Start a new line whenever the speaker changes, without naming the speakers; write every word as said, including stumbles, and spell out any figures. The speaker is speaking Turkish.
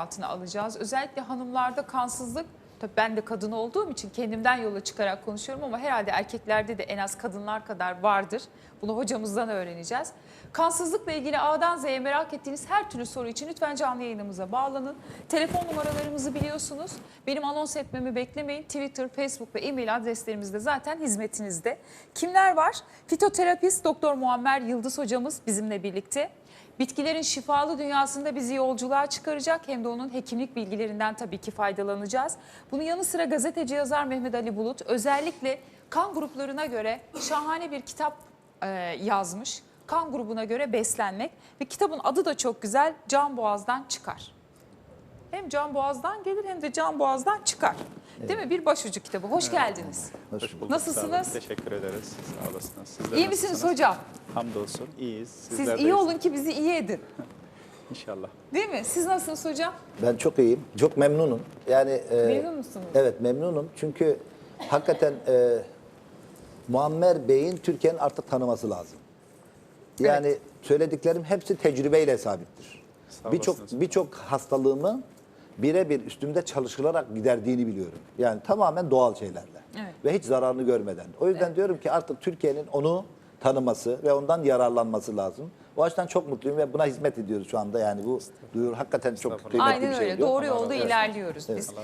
altına alacağız. Özellikle hanımlarda kansızlık, tabii ben de kadın olduğum için kendimden yola çıkarak konuşuyorum ama herhalde erkeklerde de en az kadınlar kadar vardır. Bunu hocamızdan öğreneceğiz. Kansızlıkla ilgili A'dan Z'ye merak ettiğiniz her türlü soru için lütfen canlı yayınımıza bağlanın. Telefon numaralarımızı biliyorsunuz. Benim anons etmemi beklemeyin. Twitter, Facebook ve e-mail adreslerimiz de zaten hizmetinizde. Kimler var? Fitoterapist Doktor Muammer Yıldız hocamız bizimle birlikte. Bitkilerin şifalı dünyasında bizi yolculuğa çıkaracak, hem de onun hekimlik bilgilerinden tabii ki faydalanacağız. Bunun yanı sıra gazeteci yazar Mehmet Ali Bulut özellikle kan gruplarına göre şahane bir kitap e, yazmış. Kan grubuna göre beslenmek ve kitabın adı da çok güzel, Can Boğaz'dan Çıkar. Hem Can Boğaz'dan gelir hem de Can Boğaz'dan çıkar. Evet. Değil mi? Bir başucu kitabı. Hoş geldiniz.
Hoş bulduk.
Nasılsınız?
Sağ olun. Teşekkür ederiz. Sağ olasınız. Sizler
İyi misiniz
nasılsınız?
hocam?
Hamdolsun. İyiyiz.
Siz
Sizler
iyi olun ki bizi iyi edin.
İnşallah.
Değil mi? Siz nasılsınız hocam?
Ben çok iyiyim. Çok memnunum. Yani e,
Memnun musunuz?
Evet, memnunum. Çünkü hakikaten e, Muammer Bey'in Türkiye'nin artık tanıması lazım. Yani
Evet.
söylediklerim hepsi tecrübeyle sabittir.
Sağ
Birçok
olasınız.
birçok hastalığımı birebir üstümde çalışılarak giderdiğini biliyorum. Yani tamamen doğal şeylerle.
Evet.
Ve hiç zararını görmeden. O yüzden
Evet.
diyorum ki artık Türkiye'nin onu tanıması ve ondan yararlanması lazım. O açıdan çok mutluyum ve buna hizmet ediyoruz şu anda. Yani bu duyuru hakikaten çok kıymetli
Aynen
bir şey.
öyle.
diyor.
Doğru yolda ilerliyoruz biz.